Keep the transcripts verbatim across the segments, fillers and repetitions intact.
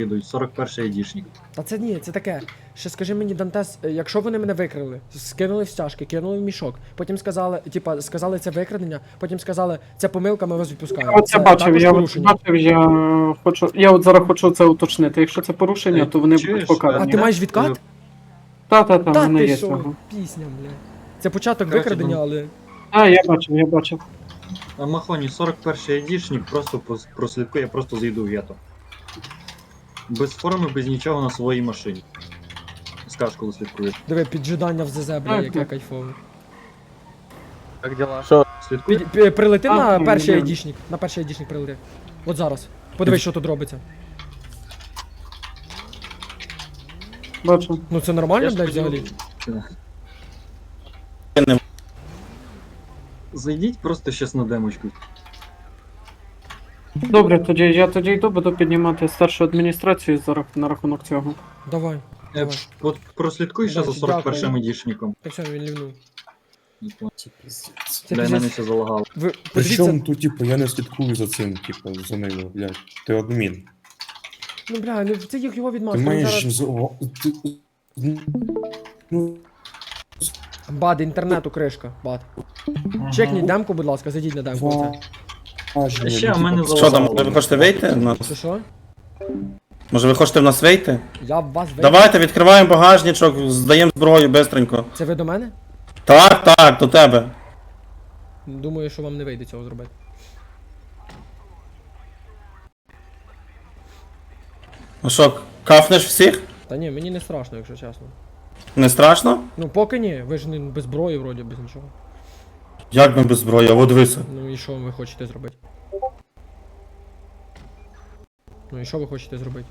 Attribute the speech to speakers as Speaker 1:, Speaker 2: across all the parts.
Speaker 1: йдуть, сорок перший айдішник.
Speaker 2: Та це ні, це таке. Ще скажи мені, Дантес, якщо вони мене викрили, скинули в стяжки, кинули в мішок, потім сказали, типа, сказали це викрадення, потім сказали, це помилка, ми вас відпускаємо.
Speaker 3: Я от це бачив,
Speaker 2: також
Speaker 3: я от
Speaker 2: порушення.
Speaker 3: бачив, я хочу. Я от зараз хочу це уточнити. Якщо це порушення, то вони
Speaker 1: Чуєш,
Speaker 3: будуть покарані.
Speaker 2: А ти маєш відкат?
Speaker 3: Та, та, та, в
Speaker 2: Та
Speaker 3: мене
Speaker 2: ти
Speaker 3: є
Speaker 2: що,
Speaker 3: цього.
Speaker 2: пісня, бля. Це початок
Speaker 1: Короче,
Speaker 2: викрадення,
Speaker 1: ну-
Speaker 2: але...
Speaker 3: А, я бачив, я бачив.
Speaker 1: А Махоні, сорок перший айдішник просто пос- прослідкує, я просто зайду в гетто. Без форми, без нічого на своїй машині. Скаж, коли слідкує.
Speaker 2: Диви, піджидання в ЗЗ, бля,
Speaker 3: Так,
Speaker 2: яке
Speaker 3: так.
Speaker 2: кайфове.
Speaker 4: Как дела?
Speaker 1: Слідкує?
Speaker 2: Під, пі- прилети
Speaker 3: А,
Speaker 2: на
Speaker 3: ну,
Speaker 2: перший
Speaker 3: ні.
Speaker 2: айдішник, на перший айдішник прилети. От зараз. Подивись, що тут робиться.
Speaker 3: Бачу.
Speaker 2: Ну це нормально,
Speaker 1: Я ж
Speaker 2: блядь,
Speaker 1: поділив-
Speaker 2: взагалі?
Speaker 1: Зайдіть просто щас на демочку.
Speaker 3: Добре, тоді я тоді йду, буду піднімати старшу адміністрацію за рах- на рахунок цього.
Speaker 2: Давай.
Speaker 1: Е,
Speaker 2: Давай.
Speaker 1: От прослідкуй ще за
Speaker 2: Бачу,
Speaker 1: сорок першим
Speaker 2: дякую.
Speaker 1: айдішником.
Speaker 2: Так все, він лівнув. Це
Speaker 1: Для мене
Speaker 2: пиздець.
Speaker 1: все залагало.
Speaker 2: Ви
Speaker 5: Причому
Speaker 2: подивіться,
Speaker 5: тут, типу, я не слідкую за цим, типу, за ними, блядь. Ти адмін.
Speaker 2: ну бля, ну це їх його
Speaker 5: Ти
Speaker 2: відмазка. Він
Speaker 5: маєш
Speaker 2: зараз...
Speaker 5: з... ти... Ну,
Speaker 2: Бад, інтернету кришка, бад. Чекніть демку, будь ласка, зайдіть на демку.
Speaker 5: ва...
Speaker 2: оце.
Speaker 1: Ще в мене
Speaker 6: Що там,
Speaker 1: залагало.
Speaker 6: може ви хочете вийти? в нас?
Speaker 2: Що що?
Speaker 6: Може ви хочете в нас вийти?
Speaker 2: Я в вас вийду.
Speaker 6: Давайте відкриваємо багажничок, здаємо зброю бистренько.
Speaker 2: Це ви до мене?
Speaker 6: Так, так, до тебе.
Speaker 2: Думаю, що вам не вийде цього зробити.
Speaker 6: Ну що, кафнеш всіх?
Speaker 2: Та ні, мені не страшно, якщо чесно.
Speaker 6: Не страшно?
Speaker 2: Ну поки ні, ви ж не без зброї вроді, без нічого.
Speaker 6: Як ми без зброї? А от дивися.
Speaker 2: Ну і що ви хочете зробити? Ну і що ви хочете зробити?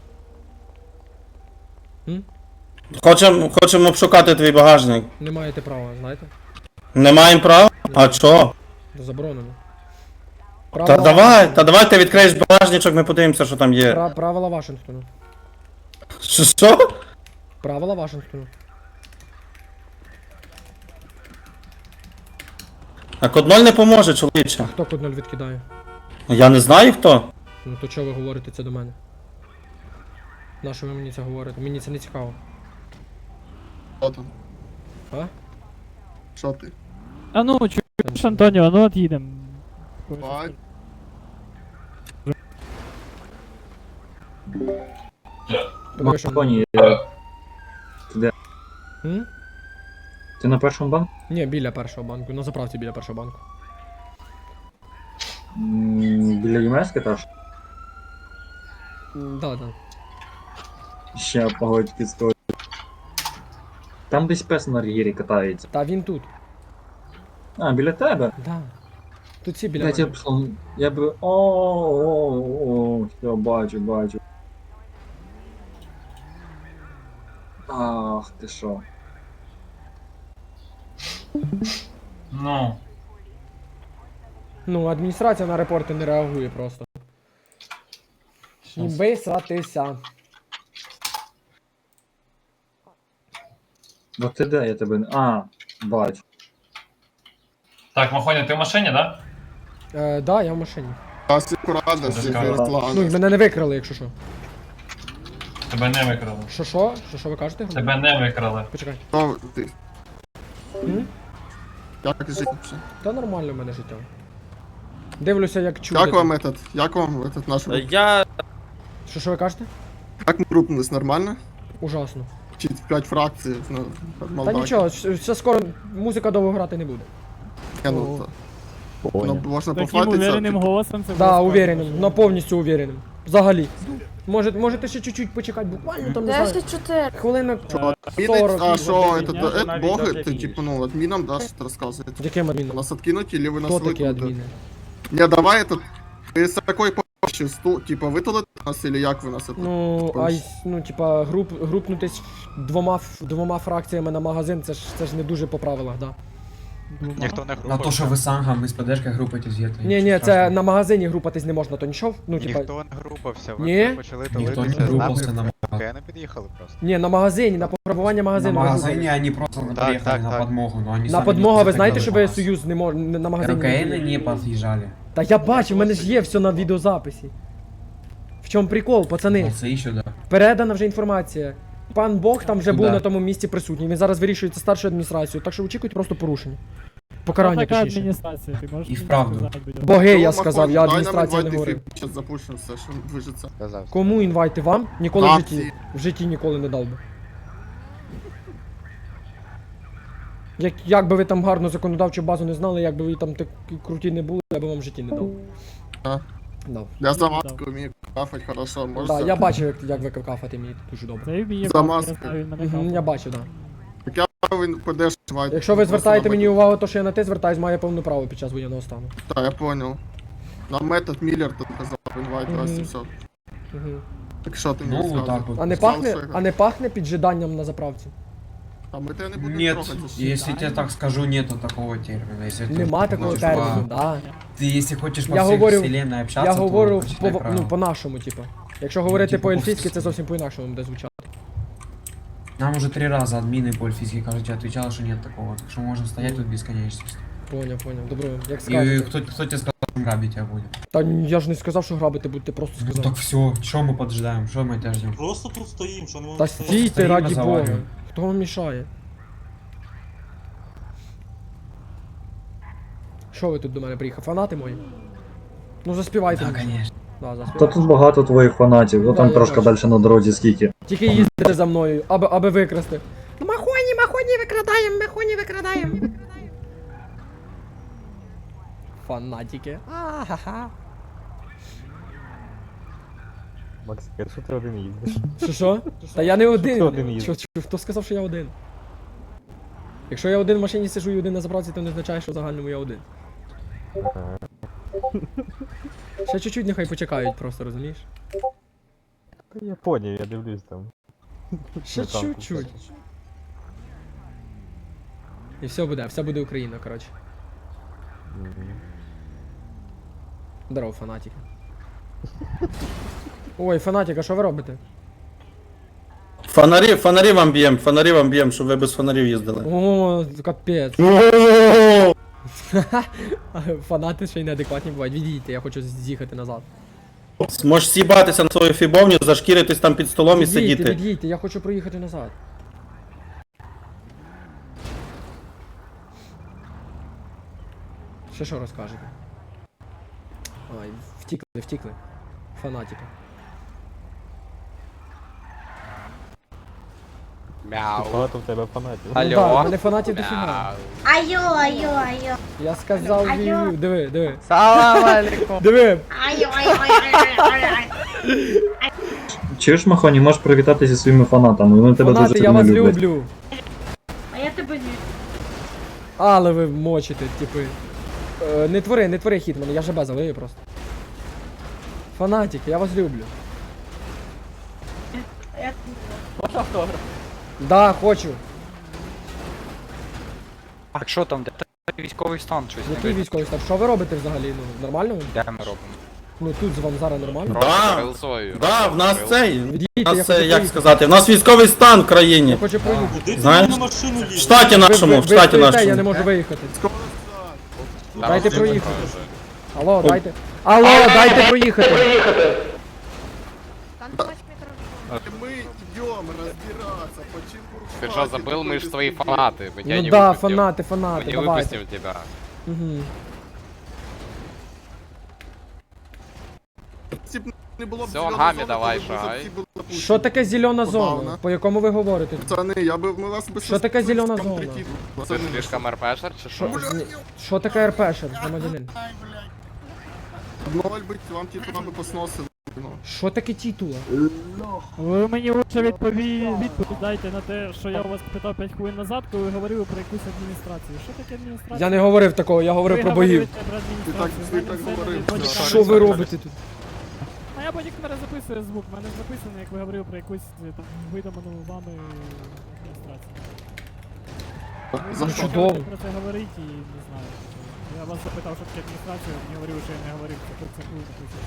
Speaker 2: М?
Speaker 6: Хочемо хочем обшукати твій багажник.
Speaker 2: Не маєте права, знаєте?
Speaker 6: Не маємо права? А чого?
Speaker 2: Заборонено.
Speaker 6: Та
Speaker 2: Правила-
Speaker 6: давай, та давай ти відкриєш багажничок, ми подивимося, що там є.
Speaker 2: Пра- правила Вашингтону.
Speaker 6: Що? Що?
Speaker 2: Правила Вашингтону.
Speaker 6: А код ноль не поможе, чоловіче.
Speaker 2: Хто код нуль відкидає?
Speaker 6: Я не знаю хто.
Speaker 2: Ну то чого ви говорите це до мене? На що ви мені це говорите? Мені це не цікаво.
Speaker 4: Що там?
Speaker 2: А?
Speaker 4: Що ти?
Speaker 7: А ну, чуєш, Антоніо, ну от їдемо.
Speaker 4: Бать.
Speaker 2: Подиви, що-
Speaker 1: Махоні, е,
Speaker 2: М?
Speaker 1: ти на першому банку?
Speaker 2: Ні, біля першого банку, на заправці біля першого банку.
Speaker 1: М, Біля ЄМС теж?
Speaker 2: М, Да, да.
Speaker 1: Ще погодьки стоїть. Там десь пес на рігірі катається.
Speaker 2: Та він тут.
Speaker 1: А, біля тебе?
Speaker 2: Да. Тут всі біля
Speaker 1: Блять, я
Speaker 2: мене.
Speaker 1: пішов. Я би. О, все, бачу, бачу. Ах, ти що.
Speaker 8: Ну,
Speaker 2: Ну, адміністрація на репорти не реагує просто. Ніби сратися.
Speaker 1: Бо ти де я тебе не. А, бачу.
Speaker 8: так, Махоня, ти в машині, да?
Speaker 2: Е, да, я в машині.
Speaker 4: Нас акуратно, всіх
Speaker 8: Розказуй.
Speaker 2: Ну, і
Speaker 4: Руслан.
Speaker 2: мене не викрали, якщо що.
Speaker 8: Тебе не викрали.
Speaker 2: Що що? Що що ви кажете?
Speaker 8: Тебе не викрали.
Speaker 2: Почекай.
Speaker 4: Що ти?
Speaker 2: М?
Speaker 4: Як жити?
Speaker 2: Та нормально в мене життя. Дивлюся, як чудо.
Speaker 4: Як вам этот, як вам этот наш рух?
Speaker 6: Я.
Speaker 2: Що що ви кажете?
Speaker 4: Як ми групнулись, нормально?
Speaker 2: Ужасно.
Speaker 4: Чи п'ять фракцій на
Speaker 2: Та
Speaker 4: Молдакі?
Speaker 2: нічого, щ- ще скоро музика довго грати не буде.
Speaker 4: Ні, ну, то. Ну, можна
Speaker 7: Таким
Speaker 4: пофатитися.
Speaker 7: увереним голосом це
Speaker 2: Да,
Speaker 7: було
Speaker 2: увереним, на повністю увереним. Взагалі. Може, можете ще чуть-чуть почекати, буквально там не знаю.
Speaker 9: десять чотири.
Speaker 2: Хвилинок
Speaker 4: Адмінить,
Speaker 2: сорок.
Speaker 4: а що,
Speaker 7: годин
Speaker 4: это,
Speaker 7: дня,
Speaker 4: это,
Speaker 7: навіть
Speaker 4: боги,
Speaker 7: даже
Speaker 4: ти,
Speaker 7: більше.
Speaker 4: типу, ну, адмінам, да, що ти розказуєш?
Speaker 2: Яким адміном?
Speaker 4: Нас откинуть, или ви нас
Speaker 2: Хто такі
Speaker 4: викинете?
Speaker 2: адміни?
Speaker 4: Не, давай этот, ви з такої помощі, сту, типа, витулите нас, или як ви нас это?
Speaker 2: Ну, а й- ну, типа, груп, групнутись двома, ф- двома фракціями на магазин, це ж, це ж не дуже по правилах, да.
Speaker 7: Ніхто не
Speaker 10: На то, що ви сангам із ПДшка групитесь є. то
Speaker 2: Ні, ні,
Speaker 10: нічого
Speaker 2: це
Speaker 10: страшного.
Speaker 2: на магазині групатись не можна, то нічого? Ну, типа,
Speaker 11: Ніхто не групався, ви
Speaker 2: Ні?
Speaker 11: почали
Speaker 10: Ніхто
Speaker 11: толитися
Speaker 10: не
Speaker 11: з
Speaker 10: групався
Speaker 11: нами,
Speaker 10: на
Speaker 11: поки не під'їхали просто.
Speaker 2: ні, на магазині, на пограбування
Speaker 10: На
Speaker 2: магазину. ви
Speaker 10: магазине
Speaker 2: групались.
Speaker 10: они просто
Speaker 11: Так,
Speaker 10: приехали
Speaker 11: так,
Speaker 10: на
Speaker 11: так.
Speaker 10: подмогу, но они
Speaker 2: На
Speaker 10: сами
Speaker 2: подмога,
Speaker 10: не
Speaker 2: ви знаєте, що ви
Speaker 10: подходили
Speaker 2: союз не мож... не- на
Speaker 10: по нас.
Speaker 2: магазині? не
Speaker 10: РКН не подъезжали.
Speaker 2: Та я бачу, в мене ж є все на відеозаписі. В чому прикол, пацани?
Speaker 10: Це ще, да.
Speaker 2: Передана вже інформація. Пан Бог там вже був
Speaker 10: Да.
Speaker 2: на тому місці присутній. Він зараз вирішується старшою адміністрацією, так що очікуйте просто порушення. Покарання
Speaker 7: Така
Speaker 2: точніше.
Speaker 7: адміністрація, ти можеш
Speaker 10: І
Speaker 7: мені
Speaker 10: вправду.
Speaker 7: сказати, будь ласка?
Speaker 2: Боги, я
Speaker 4: Ну,
Speaker 2: сказав, я
Speaker 4: Махонь, дай нам
Speaker 2: адміністрація не
Speaker 4: інвайт,
Speaker 2: говорив.
Speaker 4: і Зараз запушимо все, що движеться.
Speaker 11: Сказав.
Speaker 2: Кому інвайти вам? Ніколи в
Speaker 4: Акції.
Speaker 2: житті. В житті ніколи не дав би. Як, як би ви там гарну законодавчу базу не знали, як би ви там такі круті не були, я би вам в житті не дав.
Speaker 4: А?
Speaker 2: Дав.
Speaker 4: Я за маску вмію кафать хорошо,
Speaker 2: Да,
Speaker 4: можете?
Speaker 2: я бачив, як, як ви кафати мені дуже добре.
Speaker 7: Це вміє
Speaker 4: За
Speaker 7: кафе,
Speaker 4: маски.
Speaker 7: я знаю, він мене
Speaker 2: Угу,
Speaker 7: кафе.
Speaker 2: я бачив, так.
Speaker 4: Так я він підеш інвайт.
Speaker 2: Якщо ви
Speaker 4: Просто
Speaker 2: звертаєте
Speaker 4: на
Speaker 2: мені
Speaker 4: метод.
Speaker 2: увагу, то що я на ти звертаюсь, має повне право під час воєнного стану.
Speaker 4: Так, я понял. На метод Міллер тут казав, інвайт,
Speaker 2: Мгм.
Speaker 4: раз і все.
Speaker 2: Угу.
Speaker 4: Так що ти мені
Speaker 10: Ну,
Speaker 4: сказав?
Speaker 10: вот так вот.
Speaker 2: А не
Speaker 4: Сказав,
Speaker 2: пахне,
Speaker 4: що я-
Speaker 2: а не пахне піджиданням на заправці?
Speaker 4: А ми тебе не будемо
Speaker 10: Нет,
Speaker 4: трогати. ще.
Speaker 10: если тебе так скажу, нету такого термина. Если ты
Speaker 2: Нема такого
Speaker 10: хочешь
Speaker 2: терміну,
Speaker 10: по-
Speaker 2: да.
Speaker 10: Ты если хочешь по
Speaker 2: Я
Speaker 10: всей
Speaker 2: говорю-
Speaker 10: вселенной общаться,
Speaker 2: Я
Speaker 10: то
Speaker 2: говорю
Speaker 10: почитай
Speaker 2: по,
Speaker 10: правила.
Speaker 2: ну, по-нашому, типу. Якщо говорити
Speaker 10: типу,
Speaker 2: по-ельфійськи,
Speaker 10: по-
Speaker 2: це зовсім по-інакшому буде звучати.
Speaker 10: Нам уже три раза админы по эльфийски, кажется, отвечала, что нет такого. Так что можно стоять тут бесконечность.
Speaker 2: Поняв, поняв. Добро, як
Speaker 10: И
Speaker 2: скажете.
Speaker 10: кто, кто тебе сказал, что грабить тебя будет?
Speaker 2: Та я ж не сказав, що грабити будете, просто
Speaker 10: Ну
Speaker 2: сказав.
Speaker 10: так все, что мы поджидаем, что мы тебя ждем?
Speaker 9: Просто тут стоїм, що не
Speaker 2: Та
Speaker 9: можемо
Speaker 2: стійте,
Speaker 10: Стоїмо,
Speaker 2: раді Бога.
Speaker 10: завалюємо.
Speaker 2: Хто вам мішає? Що ви тут до мене приїхав? Фанати мої? Ну заспівайте.
Speaker 10: Да,
Speaker 2: мені.
Speaker 10: конечно.
Speaker 2: Да,
Speaker 1: Та
Speaker 2: заспівайте.
Speaker 1: тут багато твоїх фанатів, ну
Speaker 2: Да,
Speaker 1: там
Speaker 2: я
Speaker 1: трошки
Speaker 2: бачу.
Speaker 1: далі на дорозі скільки.
Speaker 2: Тільки їздите за мною, аби, аби викрасти. Ну махоні, махоні викрадаємо, махоні викрадаємо. Фанатики. А-ха-ха.
Speaker 9: Макс, що ти один їздиш?
Speaker 2: Що що? Та я не один.
Speaker 9: ти один їздиш?
Speaker 2: Що, що, хто сказав, що я один? Якщо я один в машині сижу і один на заправці, то не означає, що в загальному я один. Ще чуть-чуть нехай почекають просто, розумієш?
Speaker 9: Я поняв, я дивлюсь там.
Speaker 2: Ще чуть-чуть. І все буде, все буде Україна, коротше. Здорово, фанатик. Ой, фанатик, а що ви робите?
Speaker 6: Фонарі, фонарі вам б'єм, фонарі вам б'єм, щоб ви без фонарів їздили.
Speaker 2: О, капець. Фанати ще й неадекватні бувають. Відійдіть, я хочу з'їхати назад.
Speaker 6: Можеш сібатися на свою фібовню, зашкіритись там під столом і
Speaker 2: Відійдіть,
Speaker 6: сидіти.
Speaker 2: відійдіть, я хочу проїхати назад. Ще що розкажете? Ай, втікли, втікли. Фанатики.
Speaker 9: Багато в тебе фанатів.
Speaker 2: Ну так, в мене фанатів дофіга.
Speaker 12: Айо, айо, айо.
Speaker 2: Я сказав
Speaker 12: Алло.
Speaker 2: вію. Диви, диви.
Speaker 6: Салам алейкум.
Speaker 2: Диви.
Speaker 12: Айо, айо, айо, айо, айо.
Speaker 1: Чуєш, Махоні, можеш привітати зі своїми фанатами, вони тебе
Speaker 2: Фанати,
Speaker 1: дуже
Speaker 2: я
Speaker 1: сильно
Speaker 2: вас
Speaker 1: люблять.
Speaker 2: люблю.
Speaker 12: А я тебе не...
Speaker 2: Але ви мочите, типи. Е, не твори, не твори хіт мене, я же залию просто. Фанатики, я вас люблю.
Speaker 12: Я...
Speaker 2: Да, хочу.
Speaker 11: А що там, де військовий стан щось
Speaker 2: Який військовий став? Що ви робите взагалі? Ну, нормально? ви?
Speaker 11: Де ми робимо?
Speaker 2: Ну тут з вам зараз нормально?
Speaker 6: Да, да, в нас цей,
Speaker 2: Відійдіть,
Speaker 6: в
Speaker 2: я
Speaker 6: нас
Speaker 2: хочу
Speaker 6: це, як
Speaker 2: проїхати.
Speaker 6: сказати, в нас військовий стан в
Speaker 2: Я
Speaker 6: країні.
Speaker 2: хочу проїхати.
Speaker 9: Куди ти
Speaker 6: Знаєш?
Speaker 9: на машину
Speaker 6: В
Speaker 9: лізеш?
Speaker 6: штаті
Speaker 2: Ви, ви,
Speaker 6: нашому,
Speaker 2: ви
Speaker 6: в штаті
Speaker 2: стоїте, я не
Speaker 6: нашому.
Speaker 2: можу виїхати.
Speaker 4: Скоро
Speaker 2: Дайте проїхати. Алло, дайте. Алло, дайте проїхати.
Speaker 4: мы идем разбираться, почему...
Speaker 11: Ты что, забыл, мы же твои фанаты, мы тебя
Speaker 2: Ну
Speaker 11: не
Speaker 2: да,
Speaker 11: выпустим.
Speaker 2: фанати,
Speaker 11: Мы
Speaker 2: фанати,
Speaker 11: не
Speaker 2: давайте.
Speaker 11: выпустим тебя.
Speaker 2: Угу.
Speaker 4: Не було б
Speaker 11: Всё,
Speaker 4: зеленої
Speaker 11: гамі
Speaker 4: зони,
Speaker 11: давай,
Speaker 4: то ви б
Speaker 11: шагай.
Speaker 4: всі були запущені.
Speaker 2: Що таке зелена
Speaker 4: Забавно.
Speaker 2: зона? По якому ви говорите?
Speaker 4: Пацани, я би ми вас би
Speaker 2: Що таке зелена
Speaker 4: там
Speaker 2: зона?
Speaker 4: прикинули.
Speaker 11: Ты
Speaker 4: Пацани,
Speaker 11: слишком РПшер, чи
Speaker 2: Що,
Speaker 11: що?
Speaker 2: ні, що таке РПшер, громадянин?
Speaker 4: Ноль би вам титулами посносили. Ну.
Speaker 2: Що таке титула?
Speaker 7: Ви мені лучше відпові... відповідь дайте на те, що я у вас питав п'ять хвилин назад, коли ви говорили про якусь адміністрацію. Що таке адміністрація?
Speaker 2: Я не говорив такого, я говорив
Speaker 7: Ви
Speaker 2: про богів.
Speaker 7: говорите про адміністрацію,
Speaker 4: Ти так-
Speaker 7: в
Speaker 4: ти
Speaker 7: мене
Speaker 4: так
Speaker 7: все
Speaker 4: говорив.
Speaker 7: на бодікамері
Speaker 2: Що ви
Speaker 7: записано.
Speaker 2: робите тут?
Speaker 7: А я бодікамера записую звук, в мене записано, як ви говорили про якусь е, там видуману вами адміністрацію.
Speaker 4: За
Speaker 7: Ви
Speaker 4: що?
Speaker 2: чудово.
Speaker 7: про це говорите і не знаю. Я вас запитав, що таке адміністрація, ви мені говорили, що я не говорив, це про це було записано.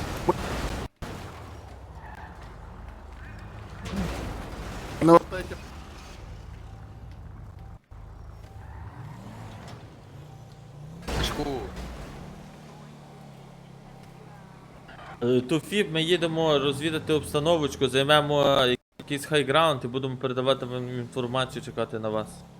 Speaker 4: Ну, от таке.
Speaker 11: Шку.
Speaker 13: Туфіб, ми їдемо розвідати обстановочку, займемо якийсь хайграунд і будемо передавати вам інформацію, чекати на вас.